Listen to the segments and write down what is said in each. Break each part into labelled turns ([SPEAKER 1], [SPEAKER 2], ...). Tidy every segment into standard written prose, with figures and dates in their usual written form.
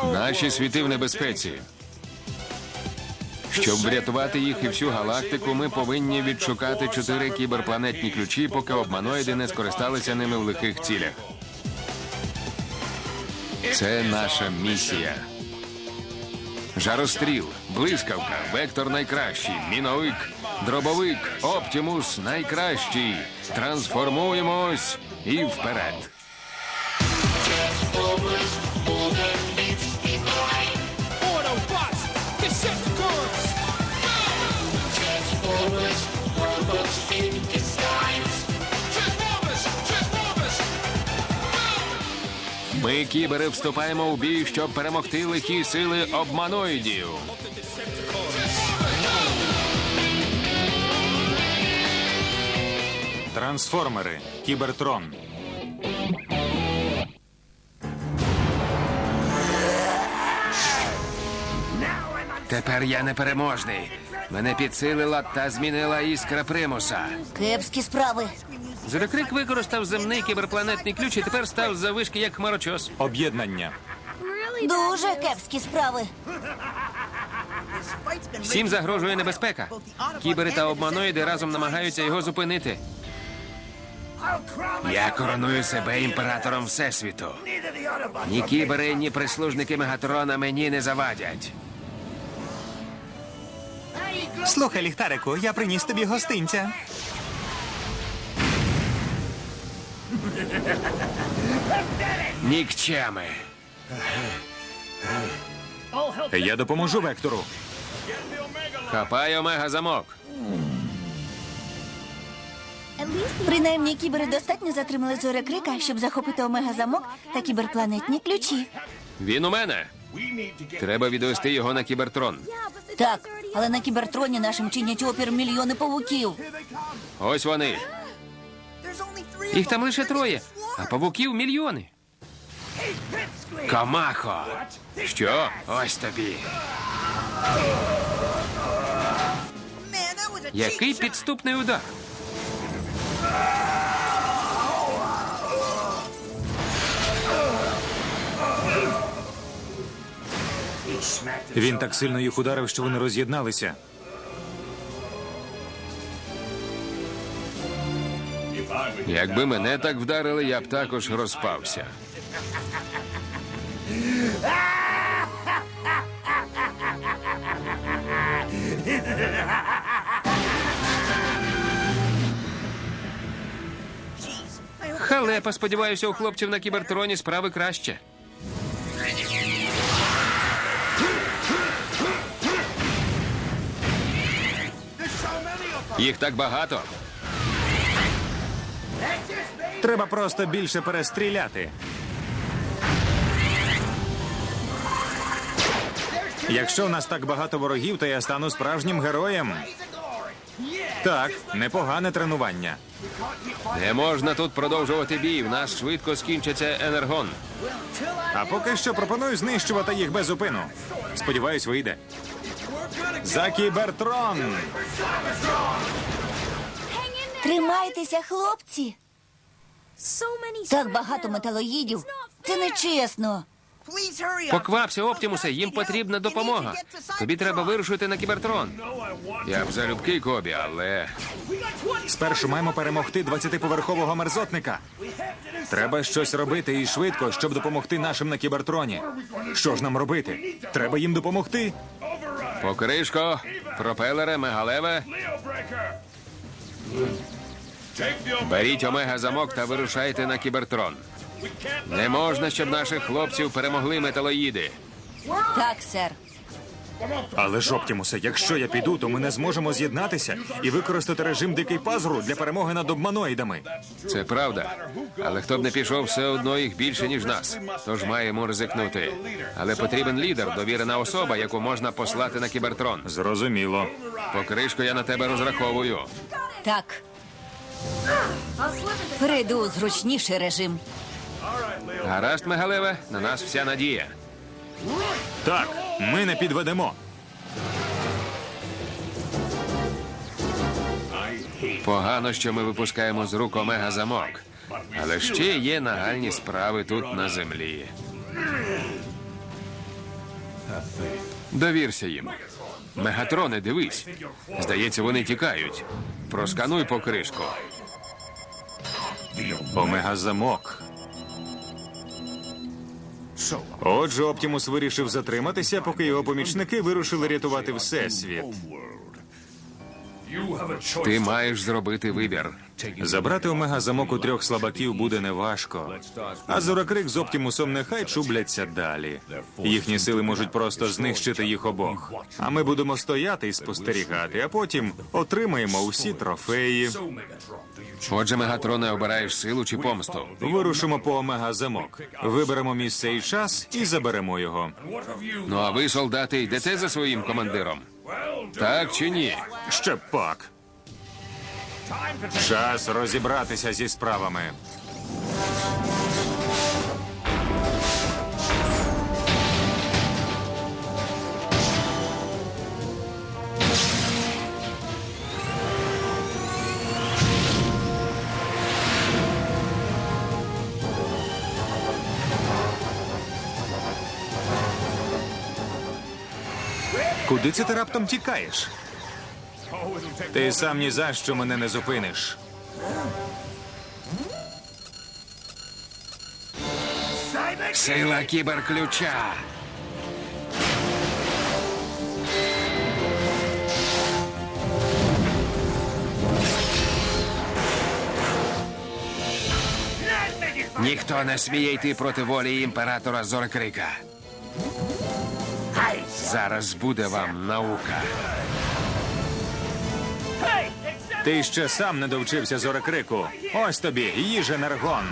[SPEAKER 1] Наші світи в небезпеці. Щоб врятувати їх і всю галактику, ми повинні відшукати 4 кіберпланетні ключі, поки обманоїди не скористалися ними в лихих цілях. Це наша місія. Жаростріл, блискавка, вектор найкращий, міновик, дробовик, Оптімус найкращий. Трансформуємось і вперед. Ми, кібери, вступаємо у бій, щоб перемогти лихі сили обманоїдів.
[SPEAKER 2] Трансформери. Кібертрон.
[SPEAKER 1] Тепер я непереможний. Мене підсилила та змінила іскра примуса.
[SPEAKER 3] Кепські справи.
[SPEAKER 1] Зорекрик використав земний кіберпланетний ключ і тепер став заввишки як хмарочос.
[SPEAKER 2] Об'єднання.
[SPEAKER 3] Дуже кепські справи.
[SPEAKER 1] Всім загрожує небезпека. Кібери та обманоїди разом намагаються його зупинити. Я короную себе імператором Всесвіту. Ні кібери, ні прислужники Мегатрона мені не завадять.
[SPEAKER 2] Слухай, ліхтарику, я приніс тобі гостинця.
[SPEAKER 1] Нікчеми.
[SPEAKER 2] Я допоможу Вектору.
[SPEAKER 1] Хапай омега-замок.
[SPEAKER 3] Принаймні, кібери достатньо затримали Зорекрика, щоб захопити омега-замок та кіберпланетні ключі.
[SPEAKER 1] Він у мене. Треба відвести його на кібертрон.
[SPEAKER 3] Так, але на кібертроні нашим чинять опір мільйони павуків.
[SPEAKER 1] Ось вони. Їх там лише 3, а павуків мільйони. Комахо! Що? Ось тобі. Який підступний удар.
[SPEAKER 2] Він так сильно їх ударив, що вони роз'єдналися.
[SPEAKER 1] Якби мене так вдарили, я б також розпався. Халепа, сподіваюся, у хлопців на кібертроні справи краще. Їх так багато.
[SPEAKER 2] Треба просто більше перестріляти. Якщо у нас так багато ворогів, то я стану справжнім героєм. Так, непогане тренування.
[SPEAKER 1] Не можна тут продовжувати бій, в нас швидко скінчиться енергон.
[SPEAKER 2] А поки що пропоную знищувати їх без зупину. Сподіваюсь, вийде. За кібертрон!
[SPEAKER 3] Тримайтеся, хлопці. Так багато металоїдів. Це нечесно.
[SPEAKER 1] Поквапся, Оптімусе, їм потрібна допомога. Тобі треба вирушити на кібертрон. Я б залюбки, Кобі, але...
[SPEAKER 2] Спершу маємо перемогти 20-поверхового мерзотника. Треба щось робити і швидко, щоб допомогти нашим на кібертроні. Що ж нам робити? Треба їм допомогти.
[SPEAKER 1] Покришко, пропелере, мегалеве. Беріть омега-замок та вирушайте на кібертрон. Не можна, щоб наших хлопців перемогли металоїди.
[SPEAKER 3] Так, сер.
[SPEAKER 2] Але ж, Оптімусе, якщо я піду, то ми не зможемо з'єднатися і використати режим Дикий Пазуру для перемоги над обманоїдами.
[SPEAKER 1] Це правда. Але хто б не пішов, все одно їх більше, ніж нас. Тож маємо ризикнути. Але потрібен лідер, довірена особа, яку можна послати на кібертрон.
[SPEAKER 2] Зрозуміло.
[SPEAKER 1] Покришко, я на тебе розраховую.
[SPEAKER 3] Так. Перейду у зручніший режим.
[SPEAKER 1] Гаразд, мегалеве, на нас вся надія.
[SPEAKER 2] Так, ми не підведемо.
[SPEAKER 1] Погано, що ми випускаємо з рук омега-замок. Але ще є нагальні справи тут на землі. Довірся їм. Мегатроне, дивись. Здається, вони тікають. Проскануй покришку.
[SPEAKER 2] Омега-замок. Отже, Оптімус вирішив затриматися, поки його помічники вирушили рятувати Всесвіт.
[SPEAKER 1] Ти маєш зробити вибір.
[SPEAKER 2] Забрати Омега-замок у 3 слабаків буде неважко. А Зорокрик з Оптімусом нехай чубляться далі. Їхні сили можуть просто знищити їх обох. А ми будемо стояти і спостерігати, а потім отримаємо усі трофеї.
[SPEAKER 1] Отже, Мегатроне, обираєш силу чи помсту?
[SPEAKER 2] Вирушимо по Омега-замок. Виберемо місце і час і заберемо його.
[SPEAKER 1] Ну а ви, солдати, йдете за своїм командиром? Так чи ні?
[SPEAKER 2] Ще пак. Час розібратися зі справами. Куди це ти раптом тікаєш? Ти сам ні за що мене не зупиниш.
[SPEAKER 1] Сила кіберключа. Ніхто не сміє йти проти волі імператора Зорокрика. Зараз буде вам наука.
[SPEAKER 2] Ти ще сам не довчився Зорокрику. Ось тобі, їж енергон.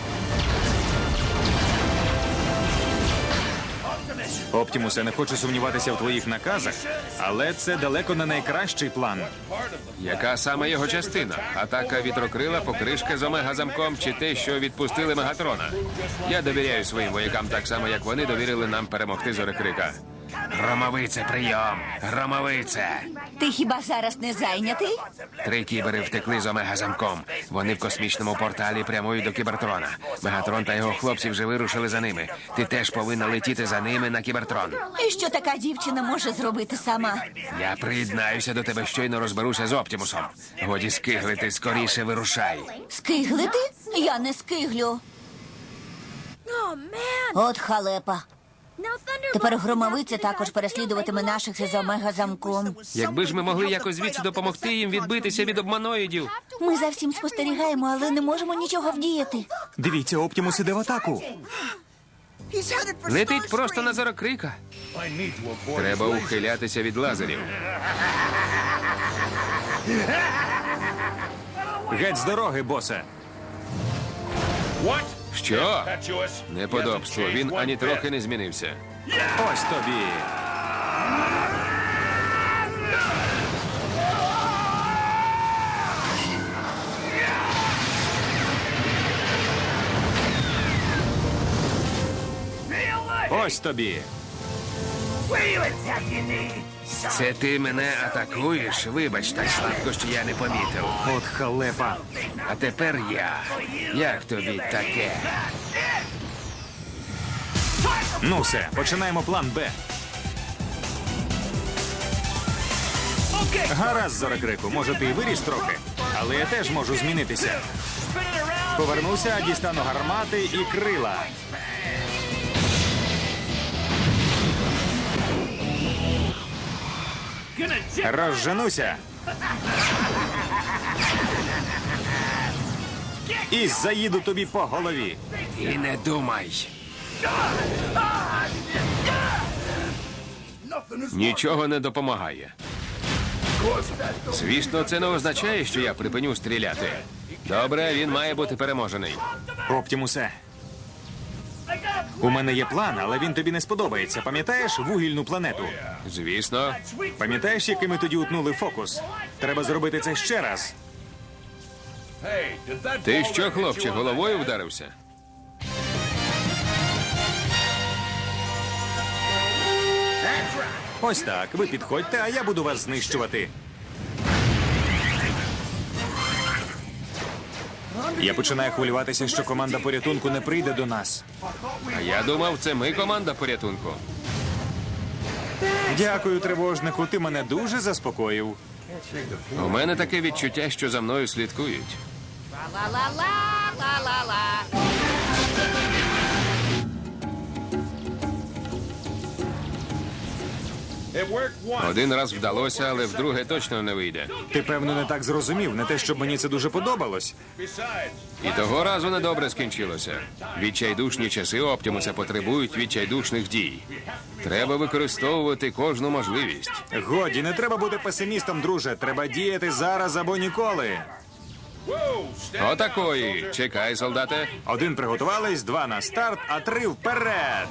[SPEAKER 2] Оптімусе, не хочу сумніватися в твоїх наказах, але це далеко не найкращий план.
[SPEAKER 1] Яка саме його частина? Атака вітрокрила, покришка з омега-замком чи те, що відпустили Мегатрона? Я довіряю своїм воякам так само, як вони довірили нам перемогти Зорокрика. Громовице, прийом! Громовице!
[SPEAKER 3] Ти хіба зараз не зайнятий?
[SPEAKER 1] 3 кібери втекли з омега-замком. Вони в космічному порталі прямують до Кібертрона. Мегатрон та його хлопці вже вирушили за ними. Ти теж повинна летіти за ними на Кібертрон.
[SPEAKER 3] І що така дівчина може зробити сама?
[SPEAKER 1] Я приєднаюся до тебе, щойно розберуся з Оптімусом. Годі скиглити, скоріше вирушай.
[SPEAKER 3] Скиглити? Я не скиглю. От халепа. Тепер громовиця також переслідуватиме наших із омега-замком.
[SPEAKER 1] Якби ж ми могли якось звідси допомогти їм відбитися від обманоїдів.
[SPEAKER 3] Ми за всім спостерігаємо, але не можемо нічого вдіяти.
[SPEAKER 2] Дивіться, Оптімус іде в атаку.
[SPEAKER 1] Летить просто на Зорокрика. Треба ухилятися від лазерів.
[SPEAKER 2] Геть з дороги, босе.
[SPEAKER 1] Що? Неподобство. Він ані трохи не змінився.
[SPEAKER 2] Ось тобі. Ось тобі.
[SPEAKER 1] Це ти мене атакуєш? Вибач, так слабко, що я не помітив.
[SPEAKER 2] От халепа.
[SPEAKER 1] А тепер я. Як тобі таке?
[SPEAKER 2] Ну все, починаємо план Б. Гаразд, Зорокрику, може ти і виріс трохи, але я теж можу змінитися. Повернуся, дістану гармати і крила. Розженуся. І заїду тобі по голові.
[SPEAKER 1] І не думай. Нічого не допомагає. Звісно, це не означає, що я припиню стріляти. Добре, він має бути переможений.
[SPEAKER 2] Оптімусе, у мене є план, але він тобі не сподобається. Пам'ятаєш вугільну планету?
[SPEAKER 1] Звісно.
[SPEAKER 2] Пам'ятаєш, який ми тоді утнули фокус? Треба зробити це ще раз.
[SPEAKER 1] Ти що, хлопче, головою вдарився?
[SPEAKER 2] Ось так, ви підходьте, а я буду вас знищувати. Я починаю хвилюватися, що команда порятунку не прийде до нас.
[SPEAKER 1] А я думав, це ми команда порятунку.
[SPEAKER 2] Дякую, тривожнику, ти мене дуже заспокоїв.
[SPEAKER 1] У мене таке відчуття, що за мною слідкують. Один раз вдалося, але вдруге точно не вийде.
[SPEAKER 2] Ти, певно, не так зрозумів, не те, щоб мені це дуже подобалось.
[SPEAKER 1] І того разу недобре скінчилося. Відчайдушні часи Оптімуса потребують відчайдушних дій. Треба використовувати кожну можливість.
[SPEAKER 2] Годі, не треба бути песимістом, друже. Треба діяти зараз або ніколи.
[SPEAKER 1] Отакої. Чекай, солдате.
[SPEAKER 2] 1 приготувались, 2 на старт, а 3 вперед.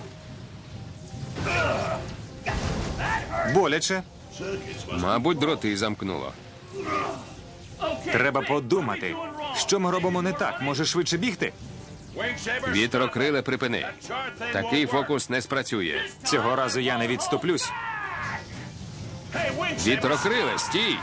[SPEAKER 2] Боляче.
[SPEAKER 1] Мабуть, дроти замкнуло.
[SPEAKER 2] Треба подумати. Що ми робимо не так? Може швидше бігти?
[SPEAKER 1] Вітрокриле, припини. Такий фокус не спрацює.
[SPEAKER 2] Цього разу я не відступлюсь.
[SPEAKER 1] Вітрокриле, стій!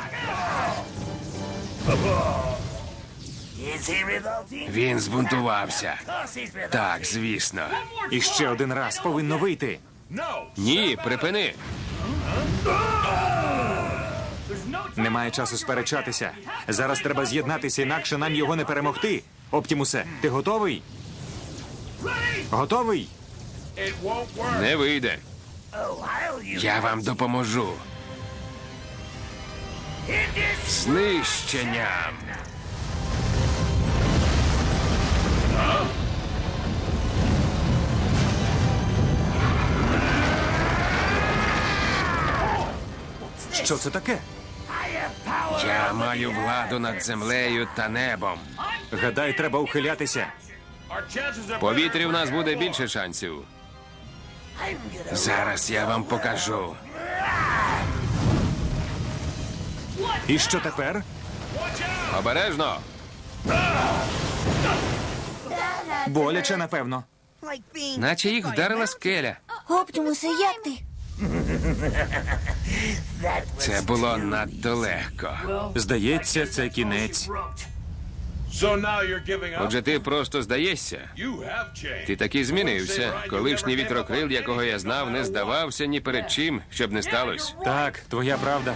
[SPEAKER 1] Він збунтувався. Так, звісно.
[SPEAKER 2] І ще 1 раз повинно вийти.
[SPEAKER 1] Ні, припини.
[SPEAKER 2] Немає часу сперечатися. Зараз треба з'єднатися, інакше нам його не перемогти. Оптімусе, ти готовий? Готовий?
[SPEAKER 1] Не вийде. Я вам допоможу. Знищенням.
[SPEAKER 2] Що це таке?
[SPEAKER 1] Я маю владу над землею та небом.
[SPEAKER 2] Гадай, треба ухилятися.
[SPEAKER 1] В повітрі в нас буде більше шансів. Зараз я вам покажу.
[SPEAKER 2] І що тепер?
[SPEAKER 1] Обережно.
[SPEAKER 2] Боляче, напевно.
[SPEAKER 1] Наче їх вдарила скеля.
[SPEAKER 3] Оптімусе, як ти?
[SPEAKER 1] Це було надто легко.
[SPEAKER 2] Здається, це кінець.
[SPEAKER 1] Отже, ти просто здаєшся. Ти таки змінився. Колишній вітрокрил, якого я знав, не здавався ні перед чим, щоб не сталося.
[SPEAKER 2] Так, твоя правда.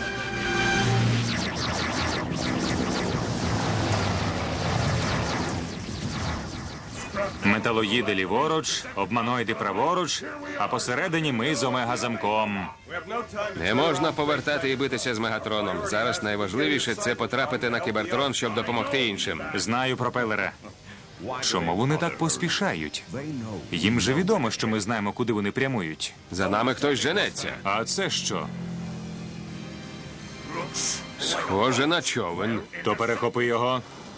[SPEAKER 2] Металоїди ліворуч, обманоїди праворуч, а посередині ми з омега-замком.
[SPEAKER 1] Не можна повертати і битися з Мегатроном. Зараз найважливіше це потрапити на Кібертрон, щоб допомогти іншим.
[SPEAKER 2] Знаю, пропелера. Чому вони так поспішають? Їм же відомо, що ми знаємо, куди вони прямують.
[SPEAKER 1] За нами хтось женеться.
[SPEAKER 2] А це що?
[SPEAKER 1] Схоже на човен.
[SPEAKER 2] То перехопи його.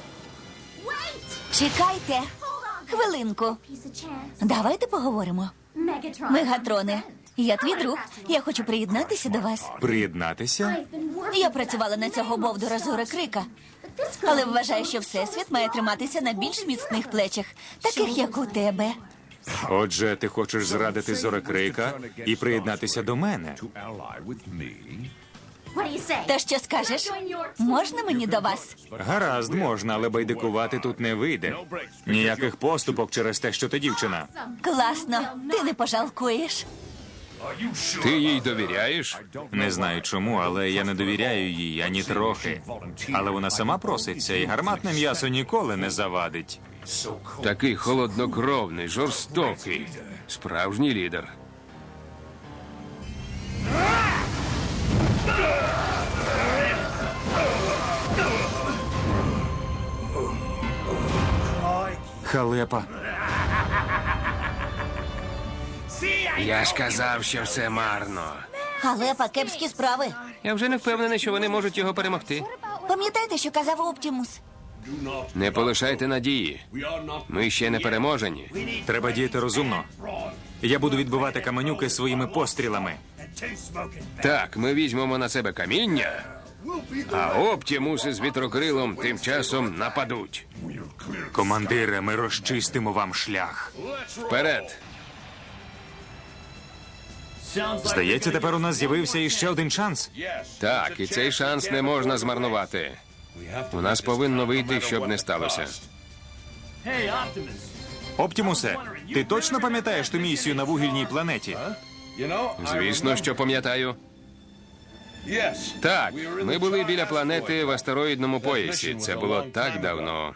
[SPEAKER 3] Чекайте. Хвилинку. Давайте поговоримо. Мегатроне, я твій друг. Я хочу приєднатися до вас.
[SPEAKER 2] Приєднатися?
[SPEAKER 3] Я працювала на цього бовдура Зорекрика. Але вважаю, що Всесвіт має триматися на більш міцних плечах, таких як у тебе.
[SPEAKER 2] Отже, ти хочеш зрадити Зорекрика і приєднатися до мене?
[SPEAKER 3] Та що скажеш? Можна мені до вас?
[SPEAKER 2] Гаразд, можна, але байдикувати тут не вийде. Ніяких поступок через те, що ти дівчина.
[SPEAKER 3] Класно. Ти не пожалкуєш.
[SPEAKER 1] Ти їй довіряєш?
[SPEAKER 2] Не знаю чому, але я не довіряю їй ані трохи. Але вона сама проситься, і гарматне м'ясо ніколи не завадить.
[SPEAKER 1] Такий холоднокровний, жорстокий. Справжній лідер.
[SPEAKER 2] Халепа.
[SPEAKER 1] Я ж казав, що все марно.
[SPEAKER 3] Халепа, кепські справи.
[SPEAKER 1] Я вже не впевнений, що вони можуть його перемогти.
[SPEAKER 3] Пам'ятайте, що казав Оптімус.
[SPEAKER 1] Не полишайте надії. Ми ще не переможені.
[SPEAKER 2] Треба діяти розумно. Я буду відбивати каменюки своїми пострілами.
[SPEAKER 1] Так, ми візьмемо на себе каміння, а Оптімуси з вітрокрилом тим часом нападуть.
[SPEAKER 2] Командире, ми розчистимо вам шлях.
[SPEAKER 1] Вперед!
[SPEAKER 2] Здається, тепер у нас з'явився іще один шанс.
[SPEAKER 1] Так, і цей шанс не можна змарнувати. У нас повинно вийти, щоб не сталося.
[SPEAKER 2] Оптімусе, ти точно пам'ятаєш ту місію на вугільній планеті?
[SPEAKER 1] Звісно, що пам'ятаю. Так, ми були біля планети в астероїдному поясі. Це було так давно.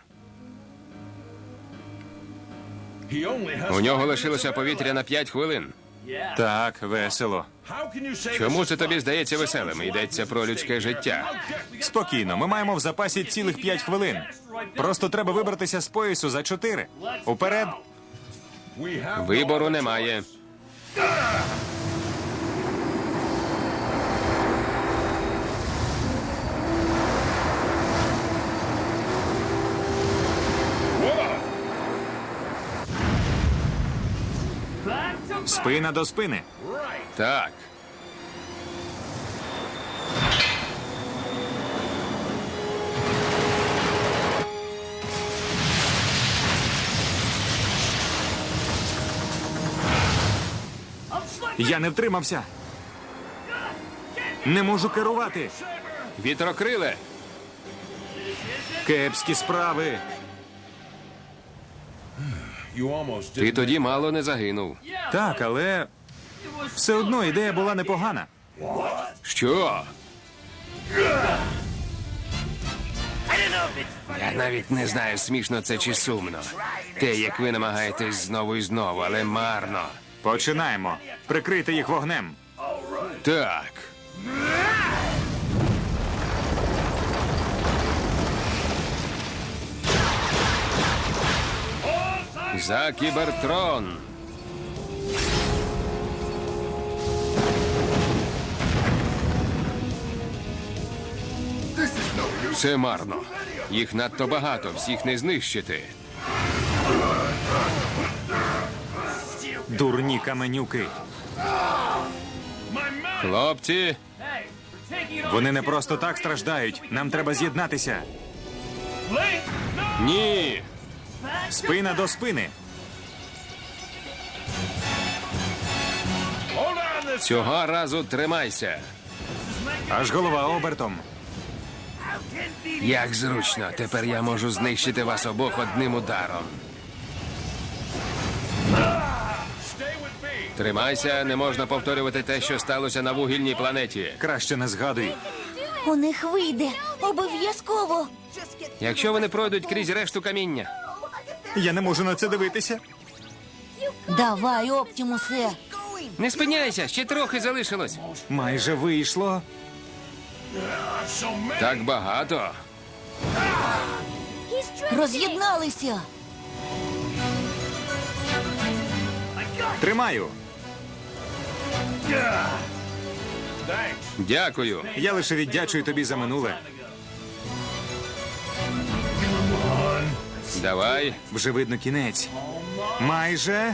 [SPEAKER 1] У нього лишилося повітря на 5 хвилин.
[SPEAKER 2] Так, весело.
[SPEAKER 1] Чому це тобі здається веселим? Йдеться про людське життя.
[SPEAKER 2] Спокійно, ми маємо в запасі цілих 5 хвилин. Просто треба вибратися з поясу за 4. Уперед.
[SPEAKER 1] Вибору немає.
[SPEAKER 2] Спина до спини.
[SPEAKER 1] Так.
[SPEAKER 2] Я не втримався. Не можу керувати.
[SPEAKER 1] Вітрокриле.
[SPEAKER 2] Кепські справи.
[SPEAKER 1] Ти тоді мало не загинув.
[SPEAKER 2] Так, але все одно ідея була непогана.
[SPEAKER 1] Що? Я навіть не знаю, смішно це чи сумно. Те, як ви намагаєтесь знову і знову, але марно.
[SPEAKER 2] Починаємо. Прикрийте їх вогнем.
[SPEAKER 1] Так. За Кібертрон. Це марно. Їх надто багато, всіх не знищити.
[SPEAKER 2] Дурні каменюки.
[SPEAKER 1] Хлопці,
[SPEAKER 2] Вони не просто так страждають. Нам треба з'єднатися.
[SPEAKER 1] ні.
[SPEAKER 2] Спина до спини.
[SPEAKER 1] Цього разу тримайся.
[SPEAKER 2] Аж голова обертом.
[SPEAKER 1] Як зручно, тепер я можу знищити вас обох одним ударом. Тримайся, не можна повторювати те, що сталося на вугільній планеті.
[SPEAKER 2] Краще не згадуй.
[SPEAKER 3] У них вийде. Обов'язково.
[SPEAKER 1] Якщо вони пройдуть крізь решту каміння.
[SPEAKER 2] Я не можу на це дивитися.
[SPEAKER 3] Давай, Оптімусе.
[SPEAKER 1] Не спиняйся, ще трохи залишилось.
[SPEAKER 2] Майже вийшло.
[SPEAKER 1] Так багато.
[SPEAKER 3] Роз'єдналися.
[SPEAKER 2] Тримаю.
[SPEAKER 1] Дякую.
[SPEAKER 2] Я лише віддячую тобі за минуле.
[SPEAKER 1] Давай.
[SPEAKER 2] Вже видно кінець. Майже.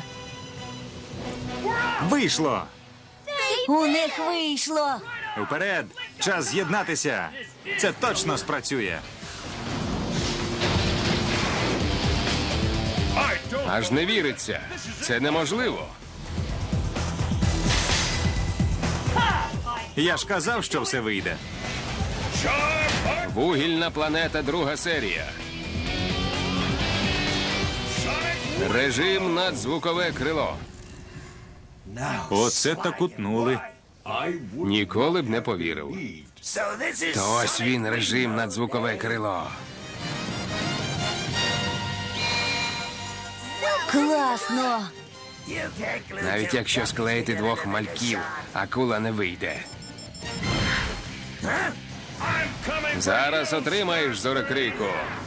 [SPEAKER 2] Вийшло.
[SPEAKER 3] У них вийшло.
[SPEAKER 2] Вперед. Час з'єднатися. Це точно спрацює.
[SPEAKER 1] Аж не віриться. Це неможливо.
[SPEAKER 2] Я ж казав, що все вийде.
[SPEAKER 1] Вугільна планета, друга серія. Режим надзвукове крило.
[SPEAKER 2] Оце так утнули.
[SPEAKER 1] Ніколи б не повірив. То ось він, режим надзвукове крило.
[SPEAKER 3] Класно.
[SPEAKER 1] Навіть якщо склеїти двох мальків, акула не вийде. Зараз отримаєш, зорекрику.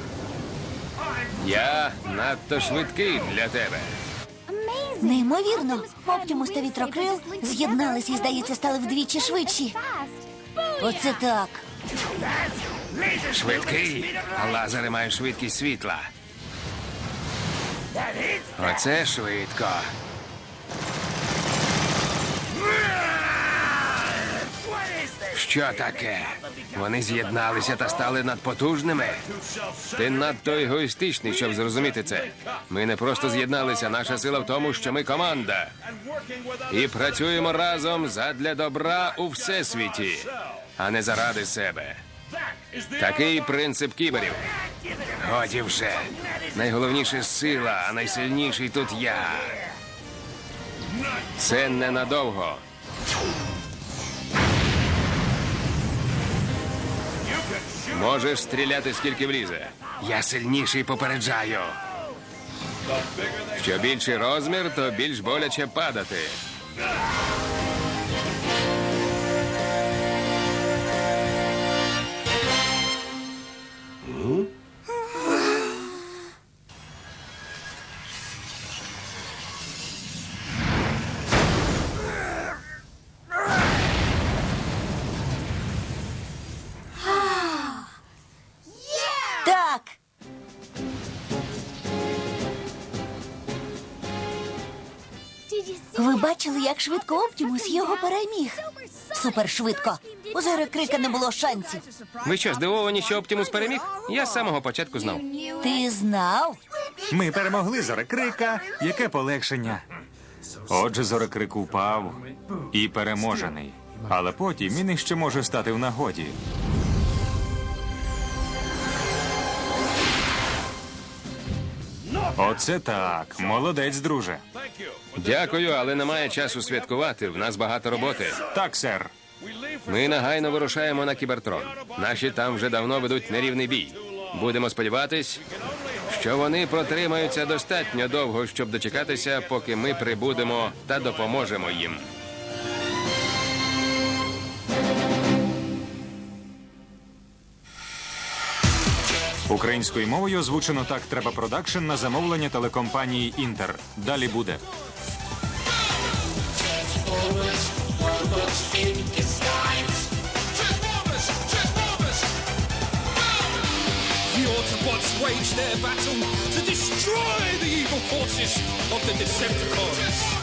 [SPEAKER 1] Я надто швидкий для тебе.
[SPEAKER 3] Неймовірно. Оптімус та Вітрокрил з'єдналися і, здається, стали вдвічі швидші. Оце так.
[SPEAKER 1] Швидкий, а лазери мають швидкість світла. Оце швидко. Що таке? Вони з'єдналися та стали надпотужними? Ти надто егоїстичний, щоб зрозуміти це. Ми не просто з'єдналися, наша сила в тому, що ми команда. І працюємо разом задля добра у всесвіті, а не заради себе. Такий принцип кіберів. Годі вже. Найголовніше сила, а найсильніший тут я. Це ненадовго. Можеш стріляти скільки влізе. Я сильніший, попереджаю. Що більший розмір, то більш боляче падати.
[SPEAKER 3] Так. Ви бачили, як швидко Оптімус його переміг? Супершвидко. У Зорекрика не було шансів.
[SPEAKER 1] Ви що, здивовані, що Оптімус переміг? Я з самого початку знав.
[SPEAKER 3] Ти знав?
[SPEAKER 2] Ми перемогли Зорекрика. Яке полегшення. Отже, Зорекрик упав і переможений. Але потім він іще може стати в нагоді. Оце так. Молодець, друже.
[SPEAKER 1] Дякую, але немає часу святкувати. В нас багато роботи.
[SPEAKER 2] Так, сер.
[SPEAKER 1] Ми негайно вирушаємо на Кібертрон. Наші там вже давно ведуть нерівний бій. Будемо сподіватись, що вони протримаються достатньо довго, щоб дочекатися, поки ми прибудемо та допоможемо їм.
[SPEAKER 2] Українською мовою озвучено «Так треба продакшн» на замовлення телекомпанії «Інтер». Далі буде.
[SPEAKER 4] The Autobots wage their battle to destroy the evil forces of the Decepticons.